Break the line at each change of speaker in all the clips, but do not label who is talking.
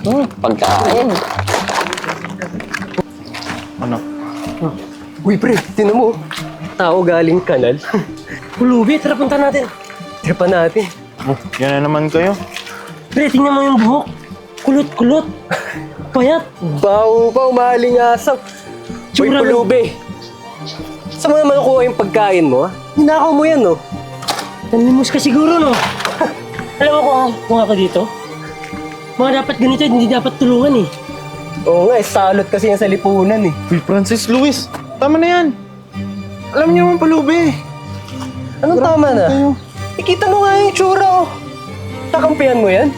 Pagkain.
Ano?
Uy, pre, tinan mo. Tao galing kanal.
Pulubi, tara punta natin.
Tripa natin.
Oh, yan na naman kayo.
Pre, tingnan mo yung buhok. Kulot-kulot. Payat.
Baho pa, umalingasap. Uy,
Tsura
pulubi. Saan mo naman nakuha yung pagkain mo, ha? Ninakaw mo yan, no?
Nanlimos ka siguro, no? Alam mo kung ako dito? Mga dapat ganito, hindi dapat tulungan eh.
Oo nga, salot kasi yan sa lipunan, eh.
Uy, Francis, Luis, tama na yan. Alam niyo naman pulubi.
Anong tama na?
Kayo.
Ikita mo nga yung tsura, oh. Kakampihan mo yan?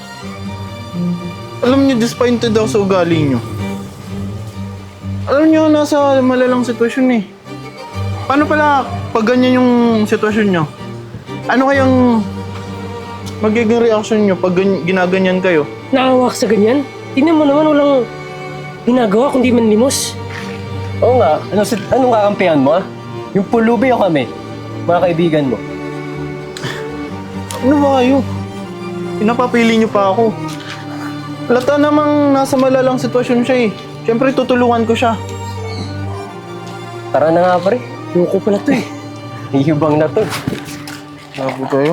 Alam niyo, disappointed ako sa ugali niyo. Alam niyo, nasa malalang sitwasyon eh. Paano pala pag ganyan yung sitwasyon niyo? Ano kayang magiging reaction niyo pag ginaganyan kayo?
Nakawak sa ganyan. Tingnan mo naman, walang ginagawa kundi manlimos.
Oo nga. Anong kakampihan mo, ha? Yung pulubi o kami? Mga kaibigan mo.
Ano ba kayo? Pinapapili niyo pa ako. Lata namang nasa malalang sitwasyon siya eh. Siyempre tutulungan ko siya.
Tara na nga, pre.
Loko pala to eh.
Hihibang na to.
Labo kayo.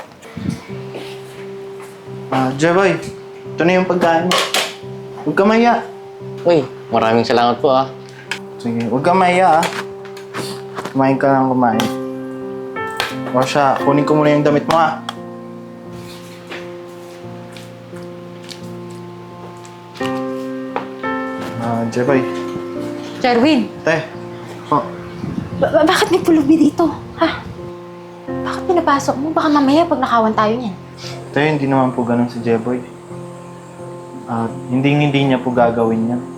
Jeboy, ito na yung pagkain mo. Huwag ka maya.
Uy, maraming salamat po ah.
Sige, huwag ka maya ah. Kumain ka lang kumain. O siya, kunin ko muna yung damit mo ah. Jeboy.
Jarwin,
Te. Oh,
bakit may pulubi dito? Ha? Bakit pinapasok mo? Baka mamaya pag nakawan tayo niyan.
te, hindi naman po ganun si Jeboy. Hindi niya po gagawin yan.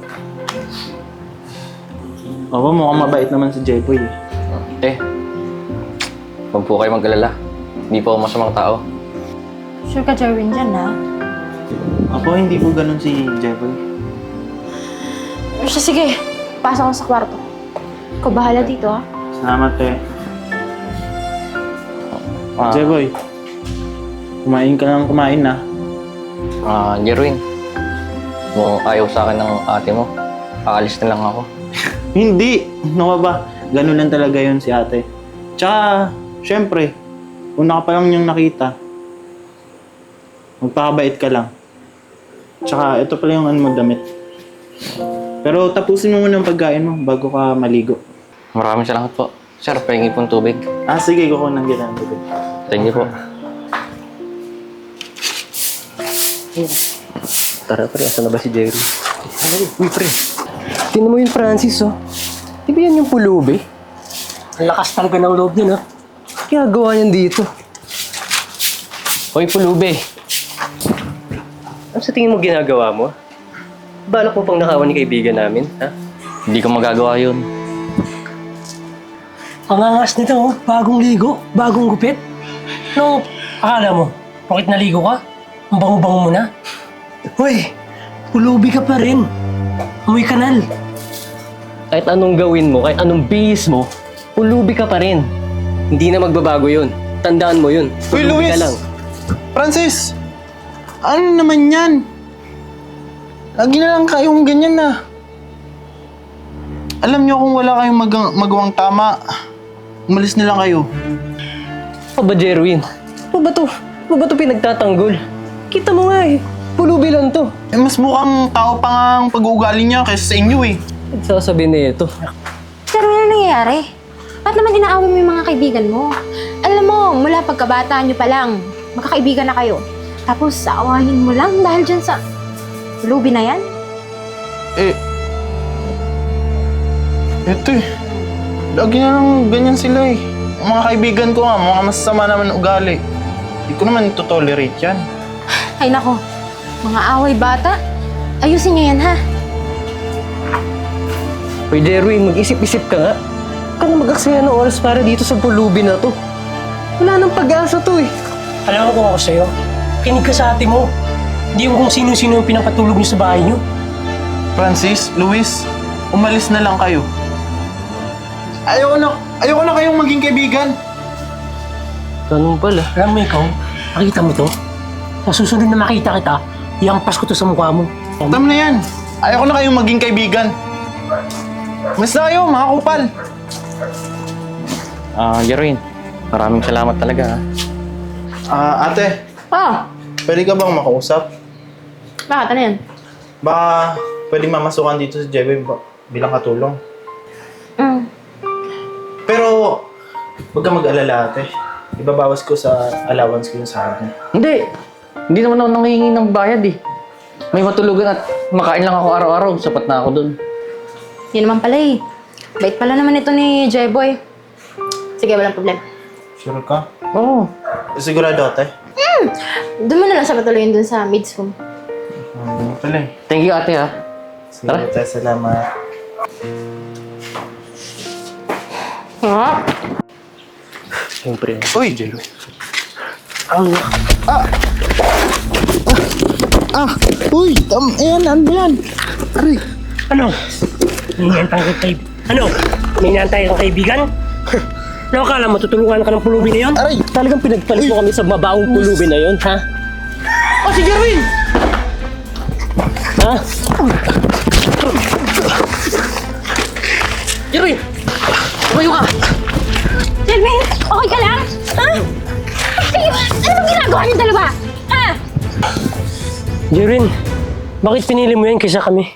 Oo, mukhang mabait naman si Jeboy eh.
Eh, huwag po kayo mag-alala. Hindi po ako masamang tao.
Sure ka, Jarwin, dyan, ha?
Ako, hindi po ganun si Jeboy.
Siya, sige. Pasok ako sa kwarto. Ikaw bahala dito, ha?
Salamat, te. Jeboy, kumain ka lang kumain na.
Jerwin, kung ayaw sa akin ng ate mo, aalis na lang ako.
Hindi! Ano ka ba? Ganun lang talaga yun si ate. Tsaka, syempre, una ka pa lang niyang nakita, magpakabait ka lang. Tsaka, ito pala yung ano mo damit. Pero tapusin mo muna ang pagkain mo bago ka maligo.
Maraming salamat po. Sir, pahingi pong tubig.
Sige, kukunan kita ng tubig.
Thank you po.
Tara, pre. Asan na ba si Jerry? Uy, pre. Tingnan mo yung Francis, oh. Di ba yan yung pulubi?
Ang lakas talaga ng loob niya, no?
Kaya gawa niyan dito. Hoy, pulubi. Ano sa tingin mo ginagawa mo? Balak mo pang nakawan ni kaibigan namin, ha?
Hindi ko magagawa yun.
Ang angas nito, oh. Bagong ligo, bagong gupit. No, akala mo, bakit naligo ka? Ang bango-bango mo na. Hoy, pulubi ka pa rin. Amoy kanal.
Kahit anong gawin mo, kahit anong bihis mo, pulubi ka pa rin. Hindi na magbabago yun. Tandaan mo yun.
Uy,
Pulubi
Luis!
ka lang.
Francis! Ano naman yan? Lagi na lang kayong ganyan na. Alam niyo kung wala kayong magawang tama, umalis na lang kayo.
Ano ba, Jerwin? Ano ba to? Ano ba to pinagtatanggol? Kita mo nga eh. Pulubi lang to.
Mas mukhang tao pa nga ang pag-uugali niya kaysa sa inyo eh.
Sasabihin na ito.
Pero ano nangyayari? Ba't naman inaaway mo yung mga kaibigan mo? Alam mo, mula pagkabata nyo pa lang, magkakaibigan na kayo. Tapos, aawahin mo lang dahil dyan sa pulubi na yan?
Ito eh. Lagi na lang ganyan sila eh. Ang mga kaibigan ko nga, mga masasama naman ng ugali. Hindi ko naman ito-tolerate yan.
Ay nako, mga away bata. Ayusin nyo yan, ha?
Hoy, Jerwin, mag-isip-isip ka nga. Huwag ka na mag-aksaya ng oras para dito sa pulubi na to. Wala nang pag-asa to eh.
Alam mo kung ako sa'yo, kinig ka sa ate mo. Hindi yung kung sino-sino yung pinapatulog niyo sa bahay niyo.
Francis, Luis, umalis na lang kayo. Ayoko na kayong maging kaibigan.
Ganun pala.
Alam mo ikaw, makita mo to? Sa susunod na makita kita, Iampas ko to sa mukha mo.
Tama na yan. Ayoko na kayong maging kaibigan. Mas na kayo, mga kupal.
Jeroen, maraming salamat talaga, ha?
Ate,
Oh,
pwede ka bang makausap?
bakit? Ano yan?
Baka pwede mamasukan dito sa Jeboy bilang katulong.
Mm.
Pero, huwag ka mag-alala, ate. Ibabawas ko sa allowance ko yung sahod niya.
Hindi naman ako nangihingi ng bayad, eh. May matulugan at makain lang ako araw-araw. Sapat na ako dun.
Yun naman pala eh. Bait pala naman ito ni J-Boy. Sige, walang problema.
Sure ka?
Oo.
Sigurado, ate?
Doon mo na lang siya patuloyin dun sa maids room.
Ano pala eh.
Thank you, ate, ha?
Sige, ate. Salamat.
Ha?
Siyempre.
Uy! Uy! Ayan, ano ba yan? Aray!
Ano? May inantay kang kaibigan? Ano? May inantay kang kaibigan? Ano akala mo, tutulungan ka ng pulubi na yun?
Aray!
Talagang pinagpalit mo kami sa mabaong pulubi na yon, ha?
Oh, si Jerwin!
Ha? Jerwin! Tumayo ka!
Jelmin, okay ka lang? Ha? Sige, ano bang ginagawa niyo dalawa? Ha?
Jerwin, bakit pinili mo yan kaysa kami?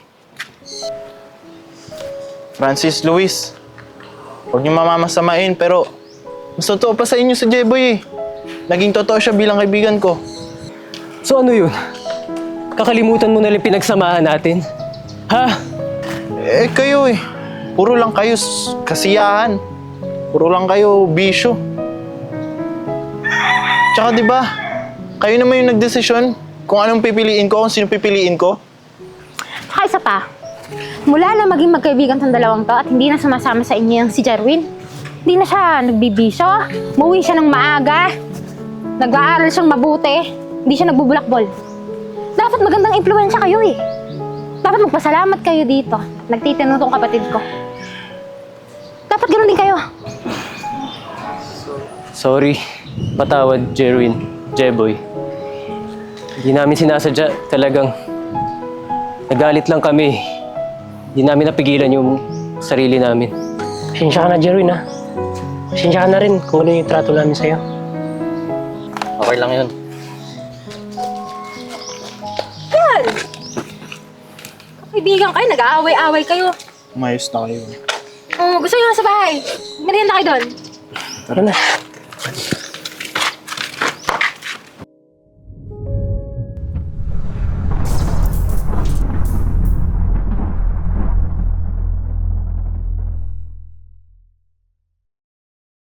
Francis, Luis. Huwag niyo mamamasamain, pero mas totoo pa sa inyo si Jeboy eh. Naging totoo siya bilang kaibigan ko.
So ano yun? Kakalimutan mo na lang pinagsamahan natin? Ha?
Eh, kayo eh. Puro lang kayo kasiyahan. Puro lang kayo bisyo. Tsaka di ba, kayo naman yung nagdesisyon kung anong pipiliin ko, kung sino pipiliin ko.
Saka isa pa, mula na maging magkaibigan tong dalawang to at hindi na sumasama sa inyo yung si Jerwin, hindi na siya nagbibisyo, umuwi siya ng maaga, nag-aaral siyang mabuti, hindi siya nagbubulakbol. Dapat magandang impluwensya kayo eh. Dapat magpasalamat kayo dito. Nagtitino tong kapatid ko. Dapat ganun din kayo.
Sorry. Patawad, Jerwin. Jeboy. Hindi namin sinasadya. Talagang nagalit lang kami. Hindi namin napigilan yung sarili namin.
Pasensya ka na, Jerwin, ha? Pasensya ka na rin kung ano yung trato namin sa'yo.
Okay lang yun.
Yan! Kaibigan kayo, nag-aaway-aaway kayo.
Umayos na kayo.
Gusto nyo nga sa bahay. Merienda kayo doon.
Tara na.